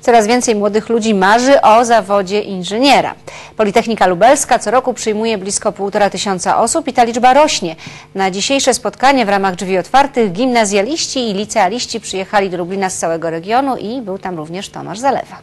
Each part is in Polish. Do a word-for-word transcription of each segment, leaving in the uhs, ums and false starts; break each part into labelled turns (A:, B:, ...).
A: Coraz więcej młodych ludzi marzy o zawodzie inżyniera. Politechnika Lubelska co roku przyjmuje blisko półtora tysiąca osób i ta liczba rośnie. Na dzisiejsze spotkanie w ramach drzwi otwartych gimnazjaliści i licealiści przyjechali do Lublina z całego regionu i był tam również Tomasz Zalewa.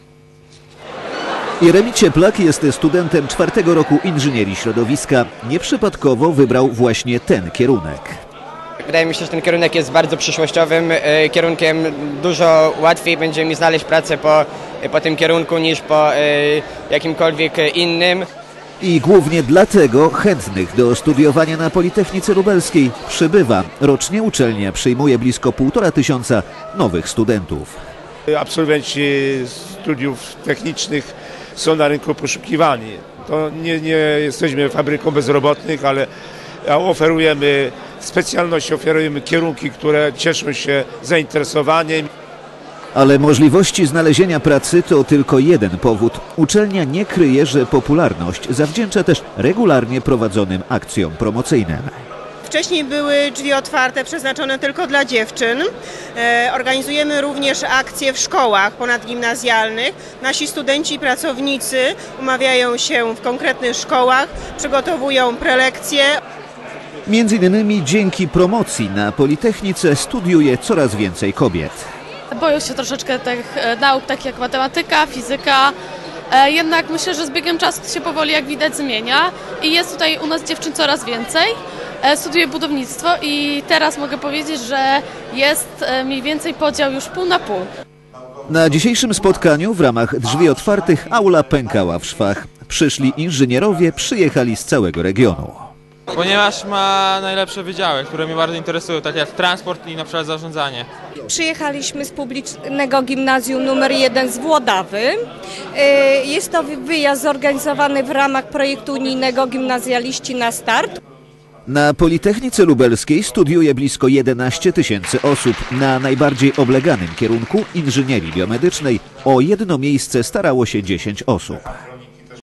B: Jeremi Cieplak jest studentem czwartego roku inżynierii środowiska. Nieprzypadkowo wybrał właśnie ten kierunek.
C: Wydaje mi się, że ten kierunek jest bardzo przyszłościowym kierunkiem. Dużo łatwiej będzie mi znaleźć pracę po, po tym kierunku niż po jakimkolwiek innym.
B: I głównie dlatego chętnych do studiowania na Politechnice Lubelskiej przybywa. Rocznie uczelnia przyjmuje blisko półtora tysiąca nowych studentów.
D: Absolwenci studiów technicznych są na rynku poszukiwani. To nie, nie jesteśmy fabryką bezrobotnych, ale oferujemy specjalności, oferujemy kierunki, które cieszą się zainteresowaniem.
B: Ale możliwości znalezienia pracy to tylko jeden powód. Uczelnia nie kryje, że popularność zawdzięcza też regularnie prowadzonym akcjom promocyjnym.
E: Wcześniej były drzwi otwarte przeznaczone tylko dla dziewczyn. E, organizujemy również akcje w szkołach ponadgimnazjalnych. Nasi studenci i pracownicy umawiają się w konkretnych szkołach, przygotowują prelekcje.
B: Między innymi dzięki promocji na Politechnice studiuje coraz więcej kobiet.
F: Boją się troszeczkę tych nauk, takich jak matematyka, fizyka. Jednak myślę, że z biegiem czasu to się powoli, jak widać, zmienia i jest tutaj u nas dziewczyn coraz więcej. Studiuję budownictwo i teraz mogę powiedzieć, że jest mniej więcej podział już pół na pół.
B: Na dzisiejszym spotkaniu w ramach drzwi otwartych aula pękała w szwach. Przyszli inżynierowie, przyjechali z całego regionu.
G: Ponieważ ma najlepsze wydziały, które mnie bardzo interesują, tak jak transport i na przykład zarządzanie.
H: Przyjechaliśmy z publicznego gimnazjum numer jeden z Włodawy. Jest to wyjazd zorganizowany w ramach projektu unijnego Gimnazjaliści na start.
B: Na Politechnice Lubelskiej studiuje blisko jedenaście tysięcy osób. Na najbardziej obleganym kierunku inżynierii biomedycznej o jedno miejsce starało się dziesięć osób.